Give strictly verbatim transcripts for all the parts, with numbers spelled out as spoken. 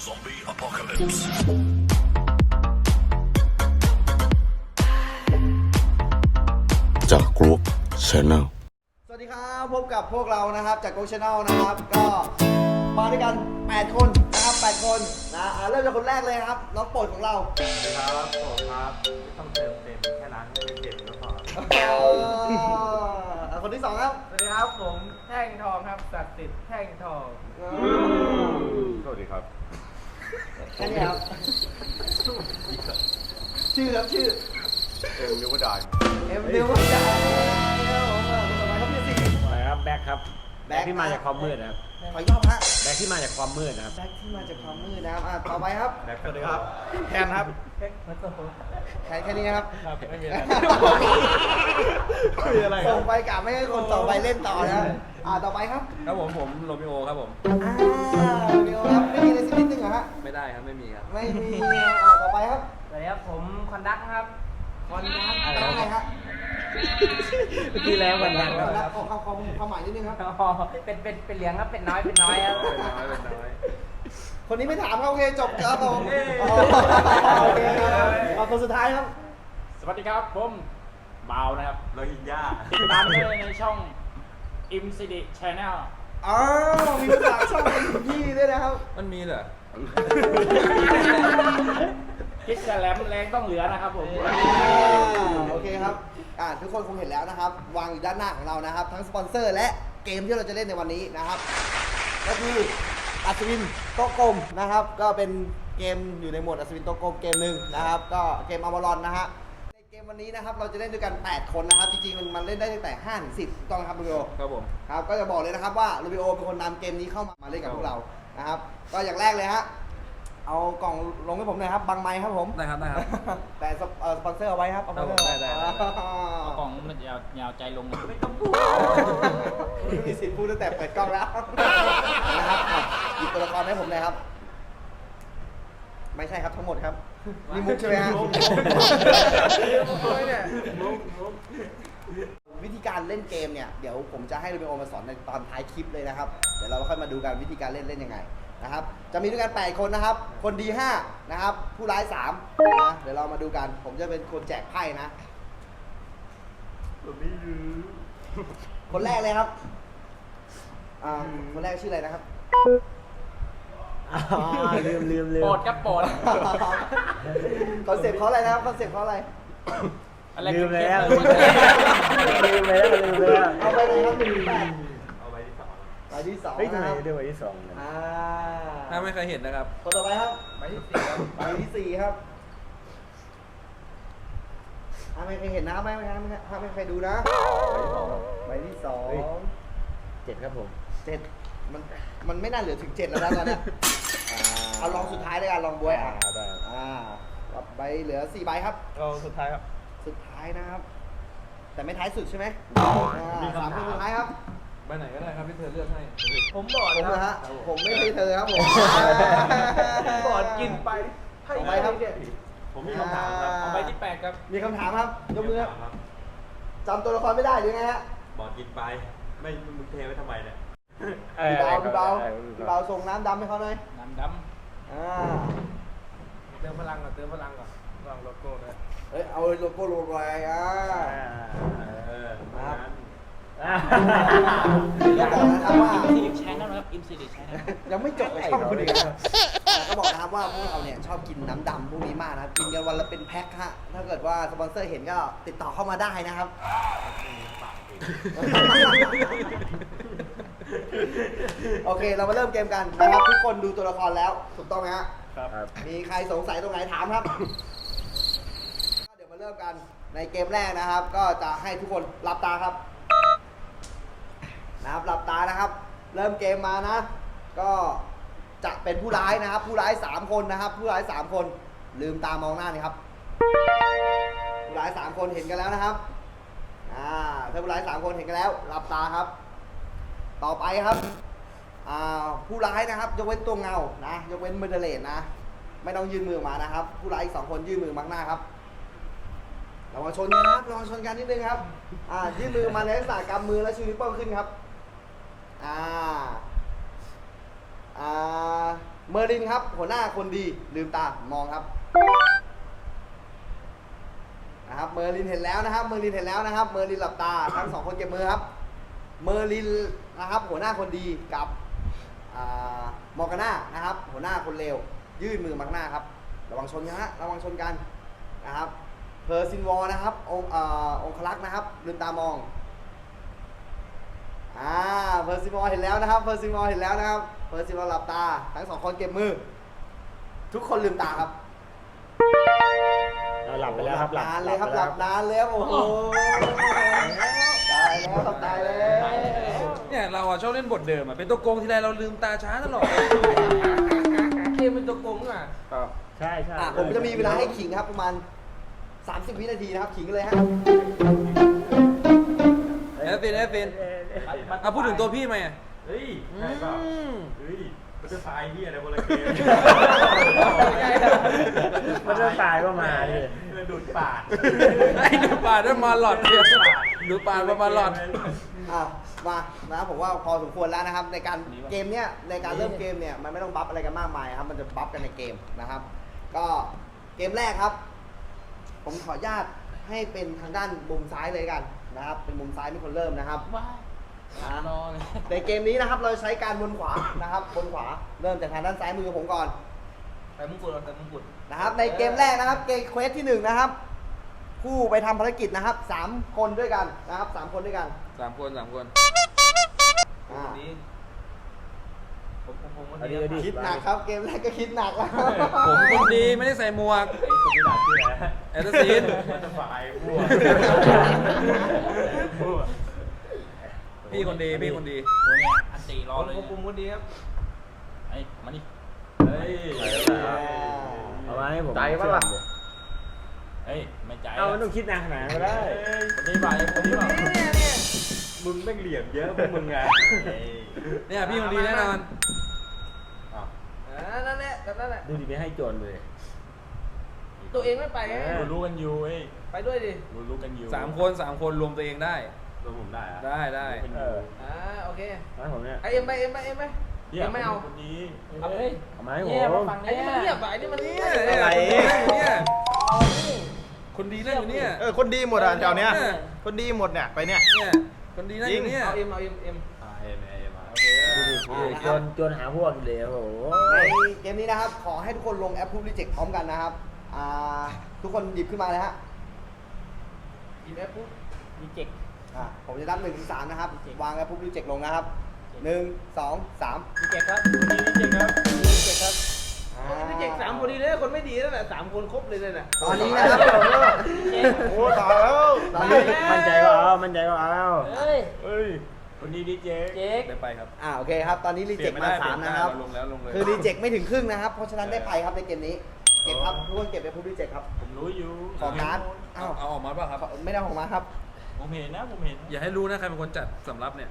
Zombie Apocalypse จากกรุ๊ป Channel สวัสดีครับพบกับพวกเรานะครับจาก Go Channel นะครับก็มาด้วยกันแปดคนนะครับแปดคนนะอ่าเริ่มจากคนแรกเลยครับน้องโปรดของเราสวัสดีครับผมครับไม่ต้องเติมเต็มแค่นั้นไม่ได้เต็มก็พออ่าคนที่สองครับสวัสดีครับผมแท่งทองครับศักดิ์สิทธิ์แท่งทองสวัสดีครับแค่นี้ครับชื่อครับชื่อเอ็มนิวดานเอ็มดิวจ้าเอ็มผมอ่ะคนต่อไปครับพี่สิอะไรครับแบ็คครับแบ็แบ็คคที่มาจากความมืดนะครับขอยอบฮะแบ็คที่มาจากความมืดนะครับแบ็คที่มาจากความมืดนะครับอ่าต่อไปครับสวัสดีครับแทนครับแค่แค่นี้ครับครับไม่มีอะไรคุยอะไรส่งไปกลับไม่ให้คนต่อไปเล่นต่อนะอ่าต่อไปครับครับผมผมโรมิโอครับผมอ่าเดี๋ยวครับไม่มีอะไรสักนิดนึงเหรอฮะไม่ได้ครับไม่มีครับไม่มีอ่าต่อไปครับสวัสดีครับผมคอนดักครับคอนดักอะไรฮะเมื่อกี้แล้ววันนั้นคคอนดัรักบขอความความความหมายนิดนึงครับอ๋อเป็นเป็นเป็นเลี้ยงครับเป็นน้อยเป็นน้อยครับเป็นน้อยเป็นน้อยคนนี้ไม่ถามครับโอเคจบครับผมอ๋อโอเคครับเอาคนสุดท้ายครับสวัสดีครับผมเบานะครับโรฮิงญาติดตามได้ในช่อง อิมซีดี Channel อ๋อมีภาษาช่องเป็นพี่ด้วยนะครับมันมีเหรอคิดจะแหลมแรงต้องเหลือนะครับผมอ่าโอเคครับอ่าทุกคนคงเห็นแล้วนะครับ วางอยู่ด้านหน้าของเรานะครับ ทั้งสปอนเซอร์และเกมที่เราจะเล่นในวันนี้นะครับ ก็คืออัศวินโต๊ะกลมนะครับ ก็เป็นเกมอยู่ในหมวดอัศวินโต๊ะกลมเกมหนึ่งนะครับ ก็เกมอวารอนนะฮะในเกมวันนี้นะครับเราจะเล่นด้วยกันแปดคนนะครับจริงๆมันมันเล่นได้ตั้งแต่ห้าถึงสิบต้องนะครับลูบิโอครับผมครับก็จะบอกเลยนะครับว่าลูบิโอเป็นคนนำเกมนี้เข้ามามาเล่นกับพวกเรานะครับ ก็อย่างแรกเลยฮะเอากล่องลงให้ผมหน่อยครับบังไม้ครับผมได้ครับได้ครับแต่สปเอ่อสปอนเซอร์เอาไว้ครับเอาครับผมสปอนเซอร์ได้ได้ได้เอากล่องมันยาวยาวใจลงไม่ต้องพูดไม่มีสิทธิ์พูดตั้งแต่เปิดกล้องแล้วนะครับอ่ะหยิบตัวละครให้ผมเลยครับ ไม่ใช่ครับทั้งหมดครับนี่มุกใช่ไหมฮะ วิธีการเล่นเกมเนี่ยเดี๋ยวผมจะให้ลูบิโอมาสอนในตอนท้ายคลิปเลยนะครับเดี๋ยวเราค่อยมาดูกันวิธีการเล่นเล่นยังไงนะครับจะมีด้วยกันแปดคนนะครับคนดีห้านะครับผู้ร้ายสามนะเดี๋ยวเรามาดูกันผมจะเป็นคนแจกไพ่นะคนแรกเลยครับอ่าคนแรกชื่ออะไรนะครับลืมลืมลืมโปรดครับโปรดคอนเซ็ปต์เขาอะไรนะครับคอนเซ็ปต์เขาอะไรลืมแล้วลืมแล้วลืมแล้วเอาไปไหนครับหนึ่งแปดเอาไปที่สองไปที่สองเฮ้ยทำไมนะครับเรียกว่าที่สองนะอ่าถ้าไม่เคยเห็นนะครับคนต่อไปครับไปที่สี่ครับใบที่สี่ครับอ่าไม่เคยเห็นนะไม่ไม่ไม่ไม่ไม่เคยดูนะใบที่สองเจ็ดครับผมเจ็ดมันมันไม่น่าเหลือถึงเจ็ดแล้วนะตอนเนี้ยเอาลองสุดท้ายเลยกันลองบวยอ่ะได้อ่าใบเหลือสี่ใบครับเราสุดท้ายครับสุดท้ายนะครับ แต่ไม่ท้ายสุดใช่ไหมอ่าสามคนสุดท้ายครับไปไหนก็ได้ครับที่เธอเลือกให้ผมบอกผมนะนะครัฮะบผมไม่ใช่เธอครับผมก่อนกินไปให้ต่อไปครับผมมีคำถามครับเอาไปที่แปดครับมีคำถามครับยกมือครับครับจำตัวละครไม่ได้หรือไงฮะบอกกินไปไม่มึงเทไว้ทำไมเนี่ยพี่เบาพี่เบาพี่เบาส่งน้ำดำให้เขาหน่อยน้ำดอ่าเติมพลังก่อนเติมพลังก่อนวางโลโก้ด้วยเอ้ยเอาโลโก้ลงไปอ่าเออครับำก็บอกนะครับว่าอิมซีดิชแนลนะครับอิมซีดิชแนลยังไม่จบช่องคุณอีกนะก็บอกนะครับว่าพวกเราเนี่ยชอบกินน้ำดำพวกนี้มากนะกินกันวันละเป็นแพ็คฮะถ้าเกิดว่าสปอนเซอร์เห็นก็ติดต่อเข้ามาได้นะครับ โอเคเรามาเริ่มเกมกันนะครับทุกคนดูตัวละครแล้วถูกต้องไหมฮะครับมีใครสงสัยตรงไหนถามครับ เดี๋ยวมาเริ่มกันในเกมแรกนะครับ ก็จะให้ทุกคนหลับตาครับนะครับหลับตานะครับ เริ่มเกมมานะ ก็จะเป็นผู้ร้ายนะครับ ผู้ร้ายสามคนนะครับ ผู้ร้ายสามคนลืมตามองหน้านี่ครับ ผู้ร้ายสามคนเห็นกันแล้วนะครับอ่าถ้าผู้ร้ายสามคนเห็นกันแล้วหลับตาครับ ต่อไปครับอ่าผู้ร้ายนะครับยกเว้นตัวเงานะยกเว้นเมอร์เดเลนนะไม่ต้องยื่นมือออกมานะครับ ผู้ร้ายอีกสองคนยื่นมือมาข้างหน้าครับเรามาชนกันนะครับเรามาชนกันนิดนึงครับอ่ายื่นมือมาในลักษณะกำมือแล้วชูนิ้วโป้งขึ้นครับอ่าอ่าเมอร์ลินครับหัวหน้าคนดีลืมตามองครับนะครับเมอร์ลินเห็นแล้วนะครับเมอร์ลินเห็นแล้วนะครับเมอร์ลินหลับตาทั้งสองคนเก็บมือครับเมอร์ลินนะครับหัวหน้าคนดีกับมอร์กาน่านะครับหัวหน้าคนเลวยื่นมือมาข้างหน้าครับระวังชนกันฮะระวังชนกันนะครับเพอร์ซินวอลนะครับองค์องคลักษ์นะครับลืมตามองอ่าเพอร์ซิมอลเห็นแล้วนะครับเพอร์ซิมอลเห็นแล้วนะครับเพอร์ซิมอลหลับตาทั้งสองคนเก็บมือทุกคนลืมตาครับเราหลับไปแล้วครับนานเลยครับหลับนานเลยครับโอ้โหตายแล้วครับตายแล้วเนี่ยเราอะชอบเล่นบทเดิมอะเป็นตัวโกงทีไรเราลืมตาช้าตลอดเกมเป็นตัวโกงอ่ะใช่ใช่อ่ะผมจะมีเวลาให้ขิงครับประมาณสามสิบวินาทีนะครับขิงกันเลยฮะแอฟฟินแอฟฟินอ่ะพูดถึงตัวพี่ไหมอะเฮ้ยใช่เปล่าอืมเฮ้ยมันจะตายที่อะไรคนละเกมมันจะตายก็มาดิเพื่อดูดปากไอ้ดูป่าได้มาหลอดเดียวดูป่ามามาหลอดอ่ะมานะผมว่าพอสมควรแล้วนะครับในการเกมเนี้ยในการเริ่มเกมเนี่ยมันไม่ต้องบัฟอะไรกันมากมายครับมันจะบัฟกันในเกมนะครับ ก็เกมแรกครับ ผมขออนุญาตให้เป็นทางด้านมุมซ้ายเลยกันนะครับ เป็นมุมซ้ายเป็นคนเริ่มนะครับว้ายนะรอเลยในเกมนี้นะครับเราใช้การบนขวานะครับบนขวาเริ่มจากทางด้านซ้ายมือผมก่อนแต่มงกุฎแต่มงกุฎนะครับ ในเกมแรกนะครับเกมเควสที่หนึ่งนะครับผู้ไปทำภารกิจนะครับสามคนด้วยกันนะครับสามคนด้วยกันสามคนสามคนอ่านี้ผมผมผมวันเอาดีนี้เอาดีคิดหนักครับเกมแรกก็คิดหนักแล้วผมคนดีไม่ได้ใส่หมวกไอ้คนที่หลับชื่ออะไรนะแอตซินมันจะฝ่ายพวกพวกพี่คนดีพี่คนดีโอ้ยอันตีรอผมเลยผมผมวันนี้ครับไอ้มานี่เฮ้ยเอามาให้ผมใจปะล่ะเฮ้ยไม่ใจเอามันต้องคิดนานขนาดนั้นก็ได้คนนี้บ่ายคนนี้บ่ายเนี่ยเนี่ยมึงแม่งเหลี่ยมเยอะพวกมึงไงเนี่ยพี่คนดีแน่นอนอ้าวอ่านั่นแหละแบบนั่นแหละดูดิไม่ให้โจรเลยตัวเองไม่ไปไงเออรู้กันอยู่เว้ยไปด้วยดิรู้รู้กันอยู่สามคนสามคนรวมตัวเองได้รวมผมได้อะได้ได้รู้กันอเอยู่ ออ่าโอเคมาให้ผมเนี่ยไอเอ็มไปเอ็มไปเอ็มไปเอ็มไม่เอาคนนี้เอาเฮ้ยเอามาให้ผมไอ้นี่มันเงียบอ่ะไอ้นี่มันเงียบเนี่ยอะไรเนี่ยคนดีนั่งอยู่เนี่ยเออคนดีหมดอ่ะแถวเนี้ยเออคนดีหมดเนี่ยไปเนี่ยเนี่ยคนดีนั่งอยู่เนี่ยเอาเอ็มเอาเอ็มเอ็มอ่าเอ็มเอ็มอ่ะดูดิดูดิโจรโจรหาพวกเลยโอ้โหในเกมนี้นะครับขอให้ทุกคนลงแอปพูดรีเจ็คพร้อมกันนะครับอ่าทุกคนหยิบขึ้นมาเลยฮะหยิบแอปปุ๊บมีเจ็กอ่าผมจะนับหนึ่งถึงสามนะครับวางแอปพูดรีเจ็คลงนะครับหนึ่งสองสามมีเจ็กครับคนนี้เจ๋งครับมีเจ็กครับอ่ามีเจ็กสามคนดีเลยคนไม่ดีนั่นแหละสามคนครบเลยนั่นแหละตอนนี้นะครับโอ้ตายแล้วตอนนี้มั่นใจก็เอามั่นใจก็เอาเฮ้ยเฮ้ยคนนี้ดีเจเจ็กได้ไปครับอ่าโอเคครับตอนนี้รีเจ็คมาสามนะครับลงแล้วลงเลยคือรีเจ็คไม่ถึงครึ่งนะครับ เพราะฉะนั้นได้ไปครับในเกมนี้เก็บครับทุกคนเก็บแอปพูดรีเจ็คครับผมรู้อยู่ขอการ์ดเอาอ้าวเอาออกมาเปล่ะครับไม่ได้ของมาครับผมเห็นนะผมเห็นอย่าให้รู้นะใครเป็นคนจัดสำรับเนี่ย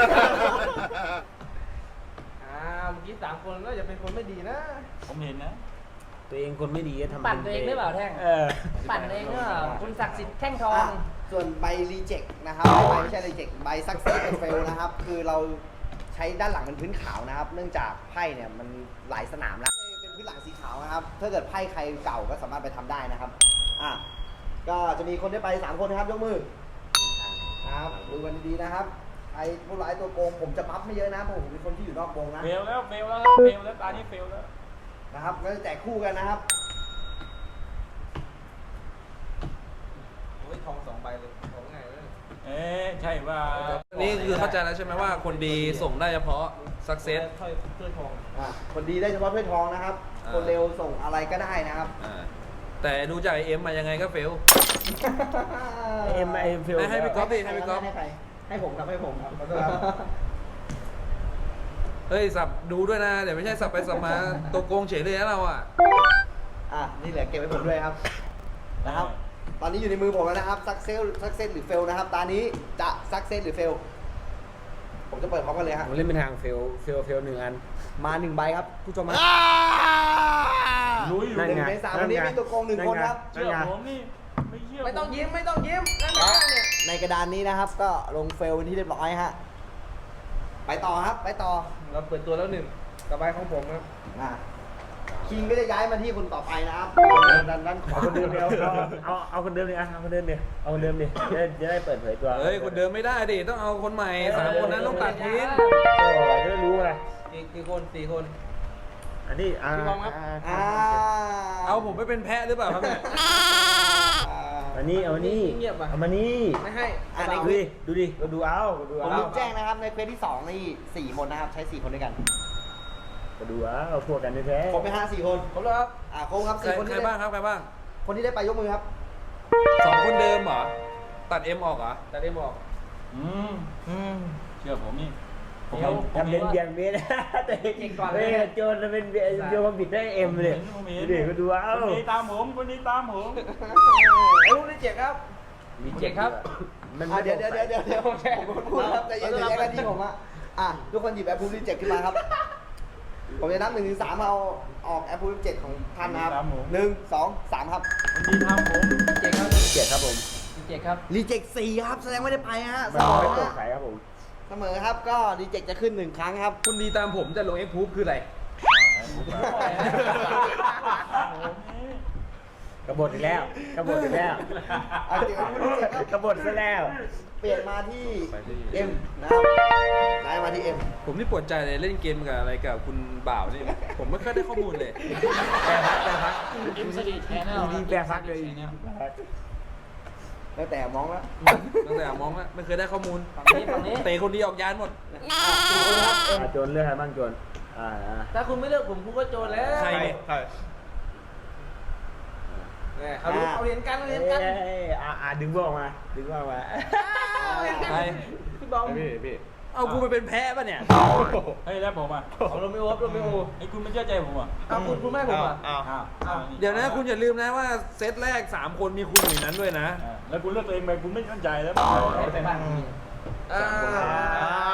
อ่าเมื่อกี้สามคนก็อย่าเป็นคนไม่ดีนะผมเห็นนะตัวเองคนไม่ดีก็ทำปั่นตัวเองหรือเปล่าแท่งเออปั่นเองหรือเปล่าคุณศักดิ์สิทธิ์แท่งทองอ่ะส่วนใบรีเจ็คนะครับใบไม่ใช่รีเจ็คใบซักเซสเฟลนะครับ คือเราใช้ด้านหลังเป็นพื้นขาวนะครับ เนื่องจากไพ่เนี่ยมันหลายสนามแล้วเป็นพื้นหลังสีขาวนะครับ ถ้าเกิดไพ่ใครเก่าก็สามารถไปทำได้นะครับอ่ะก็จะมีคนได้ไปสามคนนะครับยกมือนะครับดูกันดีๆนะครับใครผู้ร้ายตัวโกงผมจะบัฟไม่เยอะนะเพราะผมเป็นคนที่อยู่นอกวงนะเฟลแล้วเฟลแล้วครับเฟลแล้วตานี้เฟลแล้วนะครับก็จะแจกคู่กันนะครับโอ้ยทองสองใบเลยของไงเลยเอ๊ะใช่ว่านี่คือเข้าใจแล้วใช่ไหมว่าคนดีส่งได้เฉพาะ success ถ้อยถ้วยทองอ่ะคนดีได้เฉพาะถ้วยทองนะครับอ่าคนเร็วส่งอะไรก็ได้นะครับอ่าแต่ดูจากไอเอ็มมายังไงก็เฟลเอ็มไอฟิลให้ให้พี่ก๊อฟดิให้พี่ก๊อฟให้ใครให้ผมครับให้ผมครับขอโทษครับเฮ้ยสับดูด้วยนะ เดี๋ยวไม่ใช่สับไปสับมาตัวโกงเฉยเลยนะเราอ่ะอ่ะนี่เหลือเก็บไว้ผมด้วยครับนะครับ ตอนนี้อยู่ในมือผมแล้วนะครับซักเซลซักเซสหรือเฟลนะครับ ตอนนี้จะซักเซสหรือเฟลผมจะเปิดพร้อมกันเลยฮะผมเล่นเป็นทางเฟลเฟลเฟลหนึ่งอันมาหนึ่งใบครับผู้ชมมารู้อยู่นั่นหนึ่งไงในสามวันนี้มีตัวโกงหนึ่งคนครับเชื่อผมนี่ไม่เชื่อไม่ต้องยิ้มไม่ต้องยิ้มนั่นแหละเนี่ยในกระดานนี้นะครับ ก็ลงเฟลเป็นที่เรียบร้อยฮะไปต่อครับไปต่อเราเปิดตัวแล้วหนึ่งต่อไปของผมครับอ่ะคิงก็จะย้ายมาที่คนต่อไปนะครับด้านด้านขวาเอาคนเดิมเดียวเอาเอาเอาคนเดิมเลยอ่ะเอาคนเดิมเดียวเอาคนเดิมดิจะได้จะได้เปิดเผยตัวเฮ้ยคนเดิมไม่ได้ดิต้องเอาคนใหม่สามคนนั้นต้องตัดทิ้งโอ้จะได้รู้ไงกี่กี่คนสี่คนอันนี้อ่าพี่บอมครับอ่าเอาผมไปเป็นแพะหรือเปล่าครับเนี่ยอันนี้เอานี่เงียบอ่ะเอามานี่ไม่ให้อันดูนี้ดิดูดิก็ดูเอาก็ดูผมเอาลืมแจ้งนะครับในเควสที่สองนี่สี่คนนะครับใช้สี่คนด้วยกันก็ดูเอาพวกกันแท้ครบไหมฮะสี่คนครบแล้วครับอ่าครบครับใครสี่คนใครที่บ้าได้งครับใครบ้างคนที่ได้ไปยกมือครับๆสองคนเดิมเหรอตัดเอ็มออกเหรอแต่ได้บอกอืมอืมเชื่อผมนี่ผมทำทำเป็นเบียงเบียนแต่เก่งกว่าเฮ้ยโจรมันเป็นเบียโจรมันบิดได้เอ็มเลยผมดูเห็นดิก็ดูเอาคนนี้ตามผมคนนี้ตามผมไอ้ลูกนี่เจ็บครับมีเจ็บครับมันอ่าเดี๋ยวเดี๋ยวเดี๋ยวเดี๋ยวเดี๋ยวผมพูดครับใจเย็นใจเย็นกันที่ผมอ่ะอ่ะทุกคนหยิบแอปพูลิเจ็ขึ้นมาครับ ผมจะนับหนึ่งถึงสามเอาออกแอปพูลิเจ็ของท่านนะครับหนึ่งสองสามครับคนนี้ตามผมเจ็บครับเกียรติครับผมเจ็บครับรีเจ็คสี่ครับแสดงไม่ได้ไปฮะเสมันมอไม่โปร่งฮะใสครับผมเสมอครับก็รีเจ็คจะขึ้นหนึ่งครั้งครับคุณดีตามผมจะลงเอ็กพูฟคืออะไรกบฏอีกแล้วกบฏอีกแล้วเอาเดี๋ยวพูดรีเจ็คครับกบฏซะแล้วเปลี่ยนมาที่เอ็มนะครับย้ายมาที่เอ็มผมนี่ปวดใจเลยเล่นเกมกับอะไรกับคุณบ่าวนี่ผมไม่ค่อยได้ข้อมูลเลยแปรพักแปรพักอิมสตีแชนแนลดีแปรพักเลยแล้วแต่มองแล้วตั้งแต่มองแล้วไม่เคยได้ข้อมูลฝั่งนี้ฝั่งนี้เตะคนเดียวออกยานหมดอ่าโจรเลือกใครบ้างโจรอ่าอ่าถ้าคุณไม่เลือกผมคุณก็โจรแล้วใครเนี่ยใครเนี่ยเขารู้เขาเห็นกันเขาเห็นกันเอ้ยอ่าอ่าดึงพวกออกมาดึงพวกออกมาใครพี่บอมพี่พี่เอากูไปเป็นแพ้ป่ะเนี่ยเฮ้ยแล้วผมอ่ะเอาโรมิโอครับโรมิโอไอ้คุณไม่เชื่อใจผมอ่ะเอาคุณคุณแม่ผมอ่ะอ้าวอ้าวอ้าวเดี๋ยวนะคุณอย่าลืมนะว่าเซตแรกสามคนมีคุณอยู่ในนั้นด้วยนะอ่าแล้วคุณเลือกตัวเองไปคุณไม่มั่นใจแล้วไปบ้านอ่าอ้าว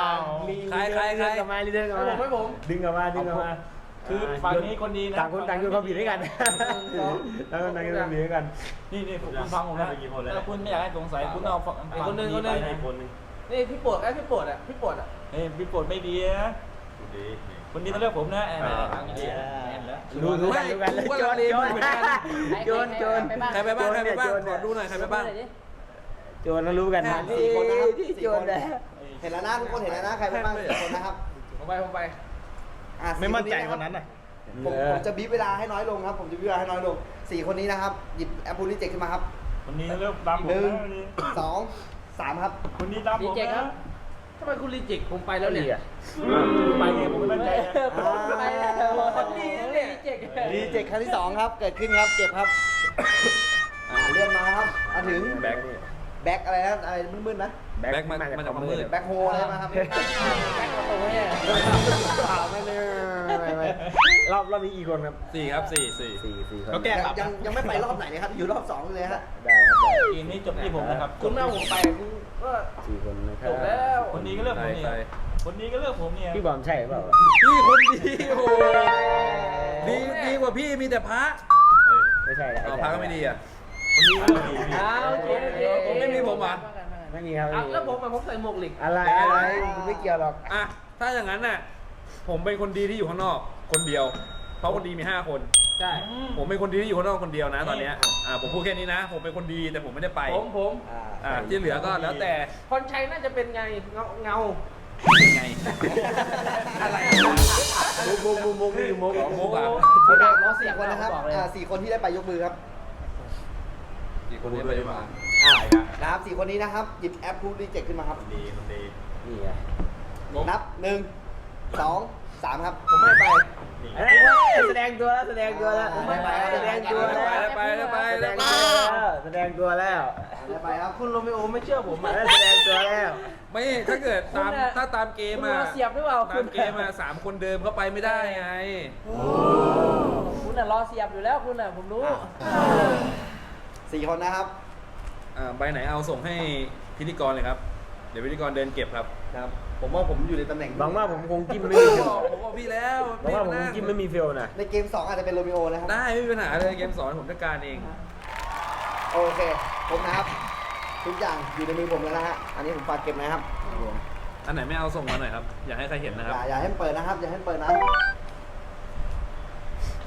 มีใครใครใครเดินกลับมาเดินกลับให้มาผมให้ผมดึงกลับมาดึงกลับมาคือฝั่งนี้คนดีนะต่างคนต่างโยนความผิดให้กันต่างคนต่างโยนความผิดให้กันนี่นี่คุณฟังผมนะถ้าคุณไม่อยากให้สงสัยคุณเอาฝั่งฝั่งคนนึงนี่พี่ปวดไอ้พี่ปวดอ่ะพี่ปวดอ่ะเฮ้ยพี่โปรดไม่ดีนะคนนี้ต้องเลือกผมนะแอนทางนี้แอนแล้วรู้รู้กันรู้กันกูก็โจลัรงเลโจรเหมือนกันโจรโจรใครไปบ้างใครไปบ้างขอดูหน่อยใครไปบ้างโจรแล้วรู้กันนะสี่คนนะครับที่สี่โจครนนะเห็นแล้วนะทุกคนเห็นแล้วนะใครไปบ้างสี่คนนะครับผมไปผมไปอ่ะสี่ไม่มั่นใจะคนนั้นน่ะผมผมจะบีบเวลาให้น้อยลงครับ ผมจะบีบเวลาให้น้อยลงสี่คนนี้นะครับหยิบแอปพูลิเจ็ขึ้นมาครับคนนี้เลือกตามผมหนึ่งนะคนนี้สองสามครับคนนี้ตามผรีมเจ็คครันะบทำไมคุณรีเจ็คผมไปแล้วเนี่ยไปเองผมไม่มั่นใจนะไปแล้วคนดีนะเนี่ยรีเจ็ครีเจ็คครั้งที่สองครับ เกิดขึ้นครับเก็บครับอ่าเลื่อนมาครับมาถึงแบ็คนี่แบ็คอะไรนะอะไรมืดๆนะแบ็คมันมันจากความมืดแบ็คโฮอะไรมาครับแบ็คประตูเนี่ยเปล่าไม่เลยไม่ไม่รอบรอบนี้อีกคนครับสี่ครับสี่สี่สี่สี่คนเขาแก้ยังยังยังไม่ไปรอบไหนเลยครับ อยู่รอบสองเลยฮะได้ครับได้เกมนี้จบที่ผมนะครับคุณแม่ผมไปคุณก็สี่คนนะคจรับบแล้วคนนี้ก็เลือกผมใครเนี่ยคนนี้ก็เลือกผมเนี่ยพี่บอมใช่หรือเปล่าพี่คนดีโอ้โหดีดีกว่าพี่มีแต่พระไม่ใช่แล้วเอาพระก็ไม่ดีอ่ะคนนี้ก็เลือกผมเนี่ยอ้าวโอเคโอเคผมไม่มีผมอ่ะไม่มีครับอ่ะแล้วผมอะผมใส่หมวกเหล็กอะไรอะไรผมไม่เกี่ยวหรอกอ่ะถ้าอย่างนั้นน่ะผมเป็นคนดีที่อยู่ข้างนอกคนเดียว เพราะคนดีมีห้าคนใช่ผมเป็นคนดีที่อยู่ข้างนอกคนเดียวนะตอนเนี้ยอ่าผมพูดแค่นี้นะ ผมเป็นคนดีแต่ผมไม่ได้ไปผมผมอ่าอ่าที่เหลือก็แล้วแต่พรชัยน่าจะเป็นไงเงาเงายังไง อะไรมุกมุกมุกมุกนี่มุกอ๋อมุกอ่ะโอเครอบสี่คนนะครับอ่าสี่คนที่ได้ไปยกมือครับอีกคนนี้ไปมาอ่านะครับสี่คนนี้นะครับ หยิบแอปพูลิเจ็ขึ้นมาครับดีคนดีนี่ไงนับหนึ่งสองสามครับผมไม่ไปเอ้ยแสดงตัวแล้วแสดงตัวแล้วผมไม่ไปแสดงตัวแล้วไปแล้วไปแสดแล้วงไปตัวแล้วแสดงตัวแล้วได้ไปครับคุณโรมิโอไม่เชื่อผมอ่ะแสดงตัวแล้วไม่ถ้าเกิดตามถ้าตามเกมคุณอ่ะรอเสียบหรือเปล่าตามเกมอ่ะสามคนเดิมเขาไปไม่ได้ไงคุณน่ะรอเสียบอยู่แล้วคุณน่ะผมรู้สี่คนนะครับอ่าใบไหนเอาส่งให้พิธีกรเลยครับ เดี๋ยวพิธีกรเดินเก็บครับครับ ผมว่าผมอยู่ในตำแหน่งหวังว่าผมคงจิ้มผมไม่มีเฟลบอกพี่แล้วหวังว่าผมคงจิ้มไม่มีเฟลนะในเกมสองอาจจะเป็นโรมิโอนะครับได้ไม่มีปัญหาเลยเกมสอนผมจัดการเองโอเค ผมนะครับ ทุกอย่างอยู่ในมือผมแล้วนะฮะ อันนี้ผมฝากเก็บนะครับอันไหนไม่เอาส่งมาหน่อยครับ อย่าให้ใครเห็นนะครับอย่าอย่าให้มันเปิดนะครับ อย่าให้มันเปิดนะ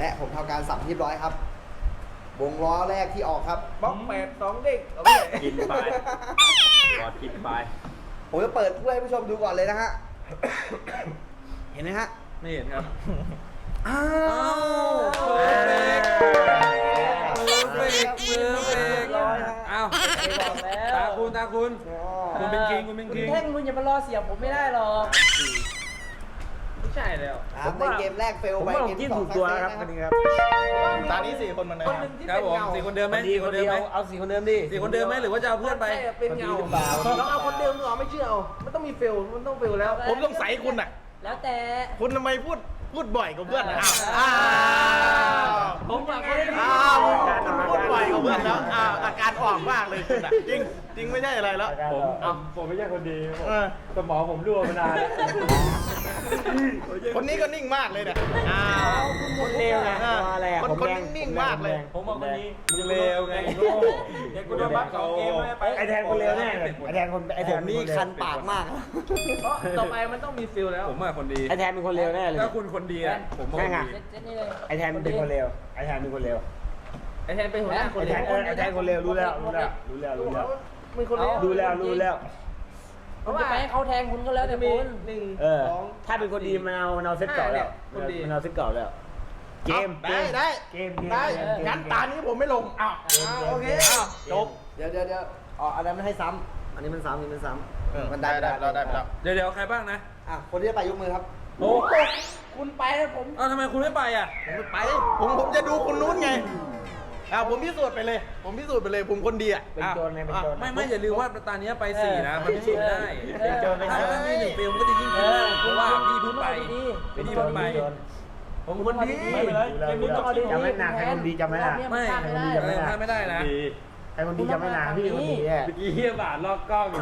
และผมทำการสับเรียบร้อยครับวงล้อแรกที่ออกครับบล็อกแปดสองเด็กเอาไปเลยกินไปกอดกินไปผมจะเปิดถ้วยให้ผู้ชมดูก่อนเลยนะฮะ เห็นไหมฮะไม่เห็นครับอ้าวเพอร์เฟกต์เพอร์เฟกต์เพอร์เฟกต์อ้าวบอกแล้วตาคุณตาคุณ คุณเป็นคิงคุณเป็นคุณคิงแท่งคุณอย่ามารอเสียบผมไม่ได้หรอกไม่ใช่แล้วครับในเกมแรกเฟลผมไปว่าผเกมมจิ้ที่มสอถูงกตัวซัแล้วกครับเซวันสนี้นะครับตอนนี้สี่คนเหมันเลยคนหนึ่งที่ครับเป็นผมเงาสี่คนเดิมไหมดีสี่คคนนเดิเดีมยวไหมเอาสี่คนเดิมดิสี่คนเดิมไหมหรือว่าจะเอาเพื่อนไปใช่เป็นเงาต้องเอาคนเดิมหรอไม่เชื่อเอามันต้องมีเฟลมันต้องเฟลแล้วผมสงสัยคุณอ่ะแล้วแต่คุณทำไมพูดพูดบ่อยกว่าเพื่อนอ่ะอ้าวอ้าวผมฝากคนอ้าวคุณพูดบ่อยกว่าเพื่อนแล้วอ้าวอาการออกมากเลยคุณอ่ะจริงจริงไม่ใช่อะไรแล้วผมผมไม่ใช่คนดีเออสมองผมรั่วมานานคนนี้ก็นิ่งมากเลยเนี่ยอ้าวคนเลวไงอะไรอ่ะคนผมคนแดงนิ่งๆมากเลยผมบอกคนนี้มึงเลวไงเด็กกูโดนบัฟสองเกมไม่ไปไอแทนคนเลวแน่เลยไอแทนคนไอแทผนมนี่คันปากมากเพราะต่อไปมันต้องมีเฟลแล้วผมอะคนดีไอแทนเป็นคนเลวแน่เลยถ้าคุณคนดีอะผมว่าคนดีเซ็ตเซ็ตนี่เลยไอแทนเป็นคนเลวไอแทนเป็นคนเลวไอแทนเป็นหัวหน้าคไอน แทนเออไอแทนคนเลวรู้แล้วรู้แล้วรู้แล้วรู้แล้วมีคนเลี้ยงรู้แล้วรู้แล้วผมจะไปให้เขาแทงคุณก็แล้วแต่มีคุณหนึ่งเออสองถ้าเป็นคนดีมันเอามันเอาเซ็ตเก่าแล้วคนดีมันเอาเซ็ตเก่าแล้ว เกมได้ได้เกมเกมได้เกมเกมงั้นตานี้ผมไม่ลงอ้าวโอเคอ้าวจบเดี๋ยวเดี๋ยวเดี๋ยวอ๋ออันนั้นไม่ให้ซ้ำอันนี้มันซ้ำอันนี้มันซ้เออำมันได้ได้เราได้ไปแล้วเดี๋ยวเดี๋ยวใครบ้างนะอ่ะคนที่จะไปยกมือครับโอ้คุณไปแล้วผมเอ้าทำไมคุณไม่ไปอ่ะผมไม่ไปผมผมจะดูคนนู้นไงอ้าวผมพิสูจน์ไปเลย ผมพิสูจน์ไปเลยผมคนดีอ่ะเป็นโจรไงเป็นโจรไม่ไม่อย่าลืมว่าตอนนี้ไปสี่นะ มันพิสูจน์ได้เออถ้าถ้ามีหนึ่งฟิลมก็จะยิ่งขึ้นมากเพราะว่าพี่เพิ่งไปดีพี่เพิ่งไปผมคนดีไม่เป็นไรเกมนี้ต้องเอาดีจำไม่นานใครคนดีจำไม่นานไม่พลาดไม่ได้เออพลาดไม่ได้นะใครคนดีจำไม่นานพี่คนดีแน่เมื่อกี้เฮียบาทลอกกล้องอยู่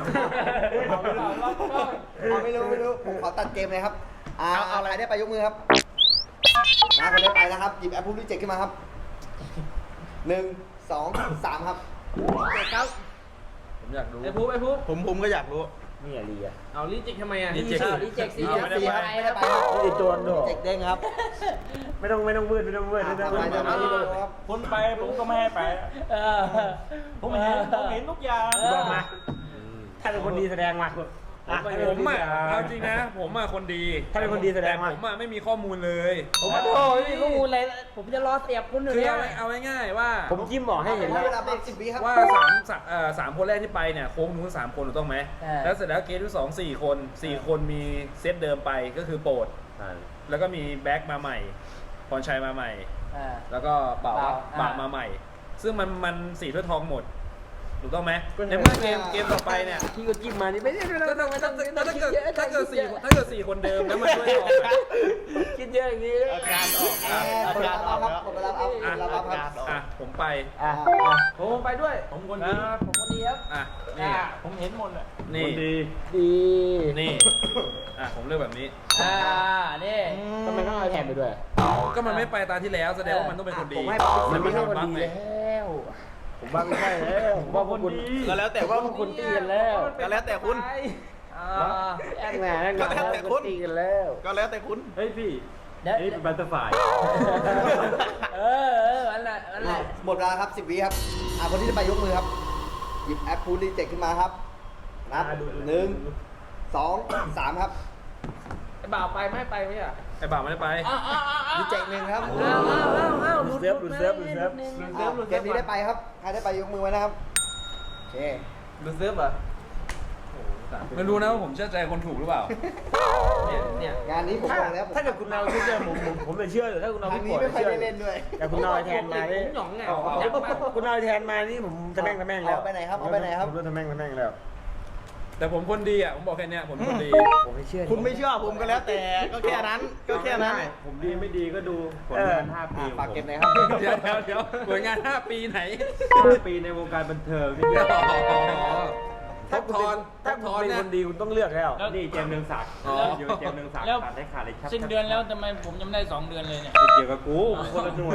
เอาไม่รู้ไม่รู้ผมขอตัดเกมเลยครับอ่าเอาเอาอะไรใครได้ไปยกมือครับนะคนได้ไปนะครับหยิบแอปพูดรีเจ็คขึ้นมาครับหนึ่งสองสามครับเจ็ดครับผมอยากรู้ไอพูไอพูผมผมก็อยากรู้นี่อะไรอ่ะเอาลิจิกทำไมอ่ะรีเจ็คอ้าวรีเจ็คสิเอาไม่ได้ไปไม่ได้ไปครับนี่โจรด้วยเจ็คเด้งครับไม่ต้องไม่ต้องมืดไม่ต้องมืดไม่ต้องมืดไปเดี๋ยวมาดูครับคุณไปผมก็ไม่ให้ไปเออผมเห็นผมเห็นทุกอย่างบอกมาถ้าเป็นคนดีแสดงมาอ่ะผมอ่ะเอาจริงนะ ผมอ่ะคนดีถ้าเป็นคนดีแสดงมาผมอ่ะไม่มีข้อมูลเลยผมโอ้ยข้อมูลอะไรผมจะรอเสียบคุณอยู่คือเนี่ยเอาไว้เอาไว้ง่ายว่าผมจิ้มบอกให้เห็นให้แล้วเวลาเป็นสิบวิครับว่าสามสามเอ่อสามคนแรกที่ไปเนี่ยโค้งนู้นสามคนถูกต้องไหมแล้วเสร็จแล้วเกมที่สองสี่คนสี่คนมีเซตเดิมไปก็คือโปรด แล้วก็มีแบ็กมาใหม่พรชัยมาใหม่อ่าแล้วก็เป่าเป่าบาอ่ามาใหม่ ซึ่งมันมันสีถ้วยทองหมด ถูกต้องไหมในเมื่อเกมเกมต่อไปเนี่ยพี่ก็จิ้มมานี่ไม่ได้ไม่ถ้าต้องถ้าไม่ต้องถ้าถ้าเกิดถ้าเกิดสี่ถ้าเกิดสี่คนเดิมแล้วมันถ้วยทองอะคิดเยอะอย่างนี้อาการออกแออาร์คนกาละรอรัอบ กครับแล้วคนละรับครับคนละรับครับอ่ะผมไปอ่ะผมไปด้วยผมคนดีอ่าผมคนดีครับอ่ะนี่อ่าผมเห็นหมดอ่ะนี่ดีนี่อ่ะผมเลือกแบบนี้อ่านี่ทำไมต้องเอาแทนไปด้วยก็มันไม่ไปตาที่แล้วแสดงว่ามันต้องเป็นคนดีผมให้มัมัน นไม่ไม่ใช่ใช่คคน นบัฟดีไงแล้วผมว่าไม่ใช่แล้วผมว่าพวกคุณก็แล้วแต่ว่าพวกคุณตีกันแล้วก็แล้วแต่คุณอ่าแอกแหน่แอกแหก็แล้วแต่คุณตีกันแล้วก็แล้วแต่คุณเฮ้ยพี่เดี๋ยวนี่เป็นบัตเตอร์ไฟเออเอออันนั้นอันนั้นหมดเวลาครับสิบวิครับอ่าคนที่จะไปยกมือครับ หยิบแอปพูดรีเจ็คขึ้นมาครับนับหนึ่งสองสามครับไอบ่าวไปไม่ไปไหมอ่ะไอ้บ่าวไม่ได้ไปอ้าวอ้าวอ้าวอ้าวรีเจ็คหนึ่งครับอ้าวอ้าวอ้าวอ้าวหลุดเซิร์ฟหลุดเซิร์ฟหลุดเซิร์ฟหลุดหนึ่งอ่าเกมนี้ได้ไปครับ ใครได้ไปยกมือไว้นะครับ โอเคดูเซิร์ฟเหรอไม่รู้นะว่าผมเชื่อใจคนถูกหรือเปล่าเนี่ยเนี่ยงานนี้ผมถ้าบอกแล้วผมถ้าเกิดคุณเอาชื่อเดิมผมผมผมจะเชื่ออยู่ถ้าคุณเอาทางพี่นี้โกรธไม่ค่อยเชื่อได้เล่นด้วยแต่คุณเอาไอ้แทนมานี่ผมหยองไงเอาผมหยองมากคุณเอาไอ้แทนมานี่ผมจะแม่งจะแม่งแล้วเอาไปไหนครับเอาไปไหนครับผมจะแม่งจะแม่งแล้วแต่ผมคนดีอ่ะผมบอกแค่เนี้ยผมคนดีผมไม่เชื่อคุณไม่เชื่อผมก็แล้วแต่ ก็แค่นั้น ก็แค่นั้นผมดีไม่ดีก็ดูผลงานห้าปีอ่าของฝากผมเก็บหน่อยครับเดี๋ยวเดี๋ยวเดี๋ยวผลงานห้าปีไหนห้าปีในวงการบันเทิงนี่ทับทอนถ้าทับคุณทอนเป็นนะคนดีคุณต้องเลือกแล้วนี่เจมส์เนืองศักดิ์อ๋ออยู่เจมส์เนืองศักดิ์แล้วตัดได้ขาดเลยชับสิ้นเดือนแล้วทำไมผมยังไม่ได้สองเดือนเลยเนี่ยไม่เกี่ยวกับกูผมคนละหน่วย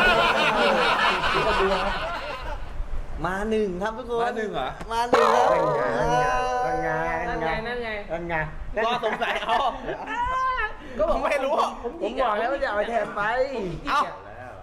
มาหนึ่งครับทุกคนมาหนึ่งเหรอมาหนึ่งครับนั่นไงนั่นไงนั่นไงนั่นไงนั่นไงก็สงสัยเอาก็บอกไม่รู้ผมบอกแล้วว่าจะเอาไอ้แทนไปเอ้า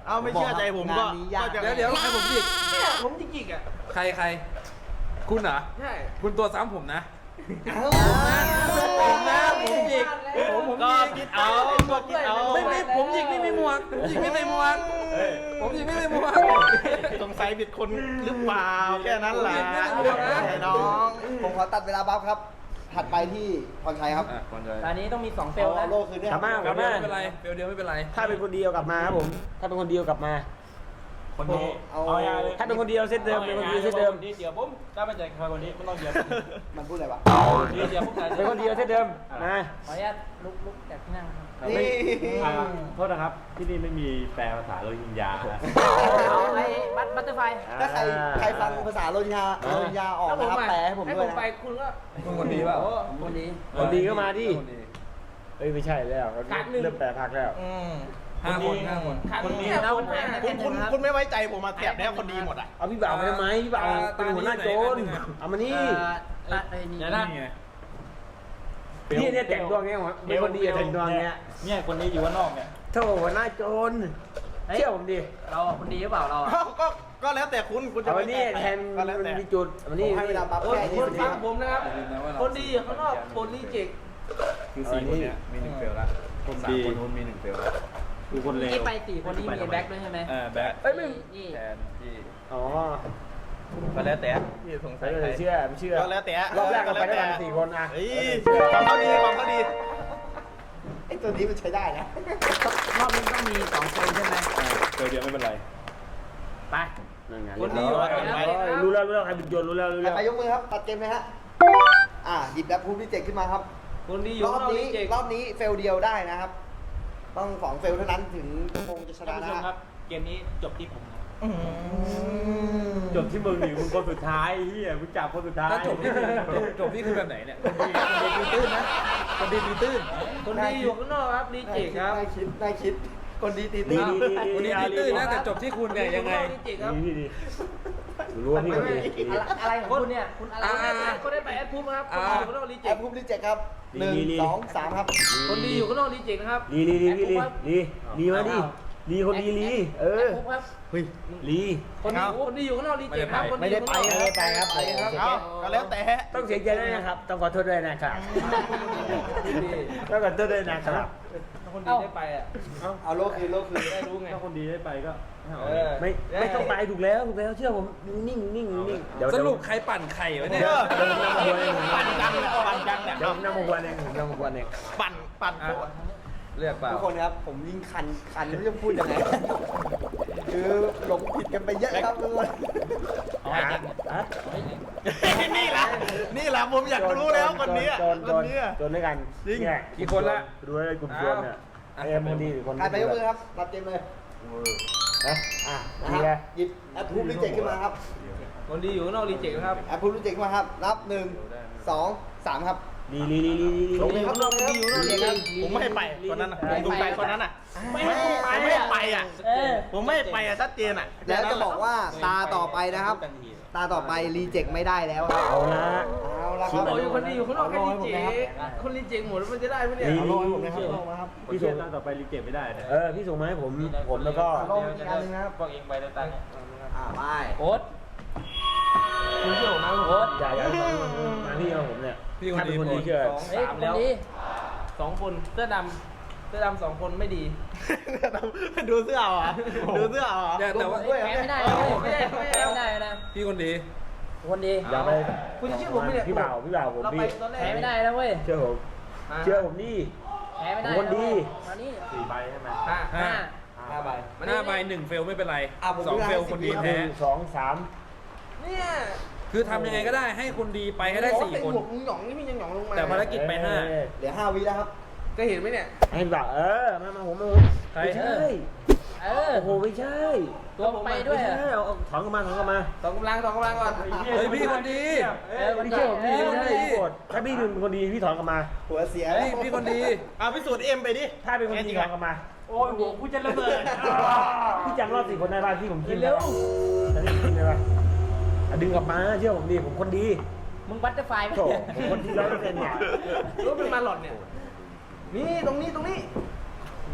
เอาไม่เชื่อใจผมก็งานนี้ยากก็จะเดี๋ยวเดี๋ยวใครผมหยิกเนี่ยผมจริงๆอ่ะใครใครคุณเหรอใช่คุณตัวซ้ำผมนะผมนะผมหยิกผมผมก็หยิกคิดเอาก็คิดเอาไม่ไม่ผมหยิกไม่มีหมวกผมหยิกไม่ใส่หมวกผมหยิกไม่ใส่หมวกสงสัยผิดคนหรือเปล่าแค่นั้นแหละไม่ต้องห่วงนะไอ้น้องผมขอตัดเวลาบัฟครับ ถัดไปที่พรชัยครับอ่ะก่อนเลยตอนนี้ต้องมีสองเฟลเอานะโลคืนด้วยกลับมาเฟกลัลบเดียวมาไม่เป็นไรเฟลเดียวไม่เป็นไรถ้าเป็นคนเดียวกลับมาครับผม ถ้าเป็นคนเดียวกลับมาคนนี้เอาเอายาเลยถ้าเป็นคนเดียวเซตเดิมเป็นคนเดียวเซตเดิมเดี๋ยวผมถ้าไม่ใจใครคนนี้ไม่ต้องเดี๋ยวมันพูดอะไรวะเดี๋ยวผมจ่ายเป็นคนเดียวเซตเดิมมาขออนุญาตลุกลุกจากที่นั่งครับนี่โทษนะครับ ที่นี่ไม่มีแปลภาษาโรฮิงญาเอาไอ้บัตบัตเตอร์ไฟถ้าใครใครฟังภาษาโรฮิงญาโรฮิงญาออกนะครับแปลให้ผมให้ด้ผวยมนะไปคุณก็คุณคนดีเปล่าคนดีคนดีก็มาดิคนดีเอ้ยไม่ใช่แล้วเริ่มแปลพักแล้วห้าคนห้าคนคนนี้เอาคนแพ้คุณคุณคุณไม่ไว้ใจผมมาแถบเนี้ยคนดีหมดอ่ะเอาพี่บ่าวมาทำไมพี่บ่าวเป็นหัวหน้าโจรเอามานี่อ่ะไอ้นี่เดี๋ยวนะนี่ไงพี่เนี่ยแต่งตัวไงวะเป็นคนดีแต่งตัวเงี้ยเนี่ยคนนี้อยู่ข้างนอกเนี่ยโธ่หัวหน้าโจรเชื่อผมดิเราคนดีหรือเปล่าเราก็ก็ก็แล้วแต่คุณคุณจะเอาไปวันนี้แทนก็แล้วแต่มีจุดวันผนี้มให้เวลาบัฟคนแค่คยี่นสิบฟัวิงผมนะครับอย่าลืมนะว่าเราคนดีอยู่ข้างนอกคนรีเจ็คคือสี่คนเนี้ยมีหนึ่งเฟลแล้วคนสามคนนู้นมีหนึ่งเฟลแล้วคือคนเลวนี่ไปสี่คนนี้มีแบ็คด้วยใช่ไหมเออแบ็คเอ้ยไม่นี่แทนที่อ๋อก็แล้วแต่ที่สงสัใส่ยก็ใครเลยเชื่อไม่เชื่อก็แล้วแต่รอบแรกเราไปด้วยกันสี่คนอ่ะเฮ้ยความเขาดีความเขาดีไอ้ตัวนี้มันใช้ได้นะรอบนี้ต้องมีสองเฟลใช่ไหมเฟลเดียวไม่เป็นไรไปนั่นไงคนดีอยู่อะรู้แล้วรู้แล้วใครเป็นโจรรู้แล้วรู้ใครแล้วไปยกมือครับ ตัดเกมเลยฮะ อ่าหยิบแบบพูดที่เจ็ดขึ้นมาครับคนดีอยู่รอข้าบงนอกนี้รีเจ็ครอบนี้เฟลเดียวได้นะครับ ต้องสองเฟลเท่านั้นถึงคงจะชท่านะนผู้ชนะมครับ เกมนี้จบที่ผมนะจบที่มึงหรือมึงคนสุดท้ายเฮียมึงจับคนสุดท้ายถ้าจบนี่คือจบจบนี่คือแบบไหนเนี่ยคนดีคนดีตีตื้นนะคนดีตีตื้นคนดีอยู่ข้างนอกครับรีเจ็คครับได้คิดได้คิด คนดีตีดีตีดีดีคนดีตีตื้นนะแต่จบที่คุณเนี่ยยังไงรีเจ็คครับดีดีรู้ว่าพี่คนดีอะไรของคุณเนี่ยคุณอะไรอ่าก็ได้ไปแอดพูดครับคนดีอยู่ข้างนอกรีแอเจ็คปพูดที่เจ็ดครับหนึ่งสองสามครับคนดีอยู่ข้างนอกรีเจ็คนะครับลีลีลีลีลีลีมาดิลีคนดีลีเออปุ๊บครับเฮ้ยลีคนดีคนดีอยู่ข้างนอกรีเจ็คครับคนไม่ดีอได้ยู่ไปข้างนอกไม่ได้ไปครับเอาก็แล้วแต่ต้องเสียใจด้วยนะครับ ต้องขอโทษด้วยนะครับต้องขอโทษด้วยนะครับคนดีได้ไปอ่ะเอาโลคืนโลคืนได้รู้ไงถ้าคนดีได้ไปก็เออไม่ไม่ต้องไปถูกแล้วถูกแล้วเชื่อผมนิ่งนิ่งนิ่งเดี๋ยวสรุปใครปั่นไข่วะเนี่ยเดี๋ยวผมนำมาบวนเองปั่นจังเนี่ยปั่นจังเนี่ยเดี๋ยวผมนำมาบวนเองผมนำมาบวนเองปั่นปั่นโคตรเลือกเปล่าทุกคนครับ ผมยิ่งคันคันไม่รู้จะพูดยังไง คือหลงผิดกันไปเยอะครับทุกคนเอาให้เจ็คฮะนี่แหละนี่แหละผมอยากรู้แล้วคนนี้โจรคโจนรนี้โจรด้วยกันจริงเนี่ยกี่คนละดูได้กลุ่มโจรเนี่ยเอ็มคนดีหรือคนใครไปยกมือครับรับเกมเลยนะอ่ะนะดีคไงรับหยิบแอปพูดรีเจ็คขึ้นมาครับคนดีอยู่ข้างนอกรีเจ็คนะครับแอปพูดรีเจ็คขึ้นมาครับ นับหนึ่งสองสามครับลีลีลีลีลีลงเลยครับลงเลยครับคนดีอยู่ข้างนอกรีเจ็คครับผมไม่ให้ไปคนนั้นน่ะผมดูใจคนนั้นอ่ะไม่ให้ไปไม่ให้ไปอ่ะเออผมไม่ให้ไปอ่ะชัดเจนอ่ะแล้วจะบอกว่าตาต่อไปนะครับ ตาต่อไปรีเจ็คไม่ได้แล้วครับเอาละเอาละครับบอกอยู่คนดีอยู่ข้างนอกแค่รีเจ็คคนรีเจ็คหมดแล้วมันจะได้ไหมเนี่ยเอาลงให้ผมนะครับลงมาครับพี่ส่งต่อไปรีเก็บไม่ได้นะเออพี่ส่งมาให้ผมผมแล้วก็ลงอีกอันหนึงนะครับพวกเองไปแล้วตังค์อ่าไปโค้ดคุณเชื่อผมนะโค้ดอย่าอย่ามาพี่เอาผมเนี่ยพี่คนถ้าเป็ดีนคนดีหมดเชื่อสองเฮ้ยสามคนแล้วดีสองคนเสื้อดำเสื้อดำสองคนไม่ดีดูเสื้อเอาเหรอดูเสื้อเอาเหรอเนี่ยแต่ว่าแพ้ไม่ได้นะไม่ได้ไม่ได้ไม่ได้นะพี่คนดีคนดีอย่าไปคุณจะเชื่อผมไหมเนี่ยพี่บ่าวพี่บ่าวผมเราไปพี่ตอนแรกแพ้ไม่ได้นะเว้ยเชื่อผมเชื่อผมดิแพ้ไม่ได้คนดีมานี่สี่ใบใช่ไหมห้าห้าห้าใบห้าใบหนึ่งเฟลไม่เป็นไรอ่ะผมสองดูเฟลให้คนดีสิบวิหแพ้นึ่งสองสามเนี่ยคือทำยังไงก็ได้ให้คนดีไปให้ได้สี่คนหมวกมึงหยองนี่พี่ยังหยองลงมาแต่ภารกิจไปห้าเออเหลือห้าวิแล้วครับก็เห็นไหมเนี่ยให้พี่บ่าวเออมามาผมมาผมใครไม่ใช่เออโอ้โหไม่ใช่ตัวไปด้วยไม่อะใช่เอาเอาถอนกลับมาถอนกลับมาสองกำลังสองกำลังก่อนเฮ้ยพี่คนดีเออพี่เชื่อผมดีพี่ไม่คนดีได้โกรธถ้าพี่เป็นคนดีพี่ถอนกลับมาหัวเสียเฮ้ยพี่คนดีเอาพิสูจน์เอ็มไปดิถ้าเป็นคนดีถอนกลับมาโอ้ยหัวกูจะระเบิดพี่จำรอบสี่คนได้ป่ะที่ผมกินเร็วจะได้กินได้ป่ะอ่ะดึงกลับมาเชื่อผมดีผมคนดีมึงบัตเตอร์ไฟไหมโถผมคนดีร้อยเปอร์เซ็นต์เนี่ยรู้เป็นมาหลอดเนี่ย นี่ตรงนี้ตรงนี้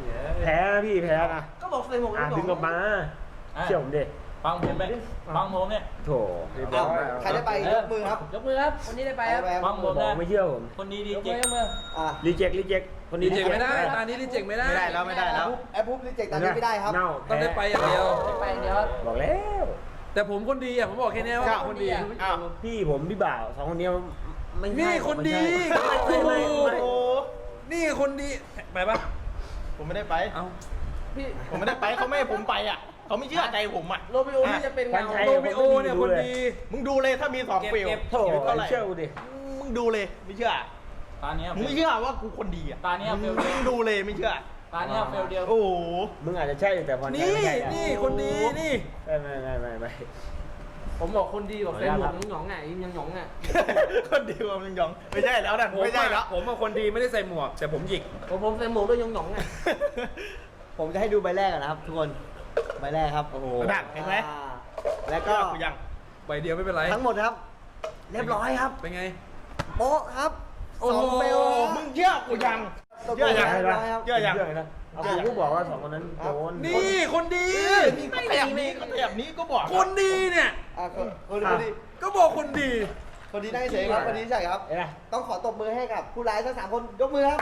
แพ้นะพี่แพ้นะก็บอกใส่หมวกอ่ะกันน็อกดึงออกมาเชื่อผมดิฟังผมไหมฟังผมเนี่ยโถเรียบร้เอาอยใครได้ไปยกมือครับยกมือครับคนนี้ได้ไปครับใครได้ฟังผมบอกนะไม่เชื่อผมคนดีดียกเจ็มือย ยกมืออ่ะรีเจ็ครีเจ็คคนรีนี้เจ็คไม่ได้ตานี้รีเจ็คไม่ได้ไม่ได้แล้วไม่ได้แล้วแอปปุ๊บรีเจ็คตอนนี้ไม่ได้ครับเน่าต้องได้ไปอย่างเดียวได้ไปเดี๋ยวบอกแล้วแต่ผมคนดีอ่ะผมบอกแค่นี้ว่าเจ้าคนดีอ้าวพี่ผมพี่บ่าวสองคนนี้ไม่ใช่นี่คนดีไม่ไม่ไม่โอ้นี่คนดีไปปะผมไม่ได้ไปเอาพี่ผมไม่ได้ไปเขาไม่ให้ผมไปอ่ะเขาไม่เชื่อใจผมอ่ะโรบิโอนี่จะเป็นพัเงานชัยโรมิโอเนี่ยคนดีมึงดูเลยถ้ามีสองฟิลโถเท่าไหร่เชื่อกูดิมึงดูเลยไม่เชื่อตาเนี้ยมึงไม่เชื่อว่ากูคนดีอ่ะตาเนี้ยเฟลมึเดียวงดูเลยไม่เชื่อตาเนี้ยเฟลเดียวโอ้โหมึงอาจจะใช่แต่พอนี่ไม่ใช่อะนี่คนดีนี่ไม่ไม่ไม่ไม่ไม่ผมบอกคนดีบอกใส่หมวกหยองๆอ่ะยิงหยองๆอ่ะคนดีกว่ามึงยองไม่ใช่แล้วนะผมไม่ใช่แล้วอะผมเป็นคนดีไม่ได้ใส่หมวก แต่ผมหยิกผมผมใส่หมวกด้วยหยองๆอ่ะผมจะให้ดูใบแรกก่อนนะครับ ทุกคนใบแรกครับโอ้โหดักเห็นไหมอ่าแล้วก็ก็กูยังใบเดียวไม่เป็นไรทั้งหมดนะครับ เรียบร้อยครับเป็นไงโป๊ะครับโอ้สโหองเฟลครับมึงเชื่อกูยังตกลเชื่อง ยังเรียบร้อยครับเชื่อยังเชื่อนะเอาผมก็บอกว่าสองคนนั้นโดนนี่คนดีนี่ก็แถบนี้ก็แถบนี้ก็บอกคนดีเนี่ยอ่ะคนคนคนดีก็บอกคนดีคนดีนั่งเฉยๆครับคนดีใช่ครับเห็นไหมต้องขอตบมือให้กับผู้ร้ายทั้งสามคนยกมือครับ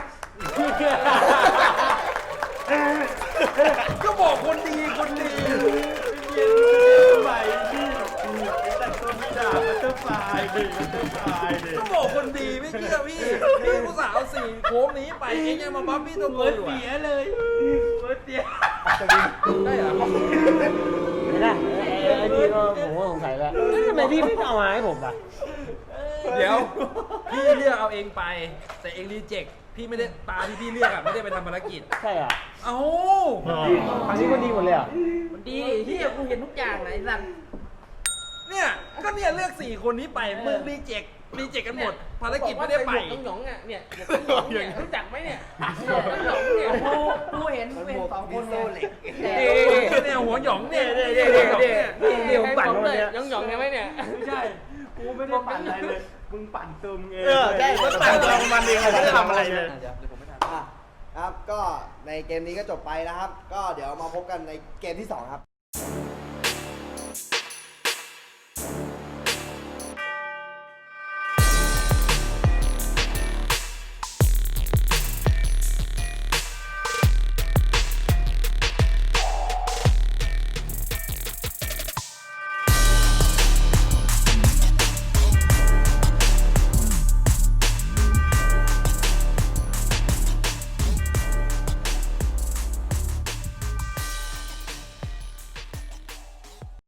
ก็บอกคนดีคนดีใหม่พี่แต่ตัวไม่ด่ามันจะตายดิมันจะตายดิก็บอกคนดีไม่เชื่อพี่พี่ผู้สาวสี่โค้งนี้ไปเองยังมาบัฟพี่ตัวเบิร์ดเสียเลยเบิร์ดเสียได้เหรอเห็นไหมไอ้ไอ้พี่ก็ผมก็สงสัยแล้วเอ๊ะทำไมพี่ไม่เอามาให้ผมอ่ะเดี๋ยวพี่เลือกเอาเองไป แต่เองรีเจ็คพี่ไม่ได้ตาที่พี่เลือกอะไม่ได้ไปทำภารกิจใช่อ่ะเอ้าอันนี้ก็ดีหมดเลยอ่ะมันดีที่กูเห็นทุกอย่างไหนสั่งเนี่ยก็เนี่ยเลือกสี่คนนี้ไปมึงรีเจ็ครีเจ็คกันหมด ภารกิจไม่ได้ไปต้องหยองๆอ่ะเนี่ยหยองๆเนี่ยรู้จักไหมเนี่ยหยองๆเนี่ยกูกูเห็นกูเห็นสองคนเลยเอ๊ะเนี่ยหัวหยองเนี่ยเนี่ยเนี่ยเนี่ยเนี่ยเดี๋ยวผมปั่นวันเนี้ยหยองๆใช่ไหมเนี่ยไม่ใช่ กูไม่ได้ปั่นอะไรเลย มึงปั่นซึมเองเออใช่มันต่างตัวมันเองเขาไม่ได้ทำอะไรเลยอ่ะครับก็ในเกมนี้ก็จบไปนะครับ ก็เดี๋ยวมาพบกันในเกมที่สองครับ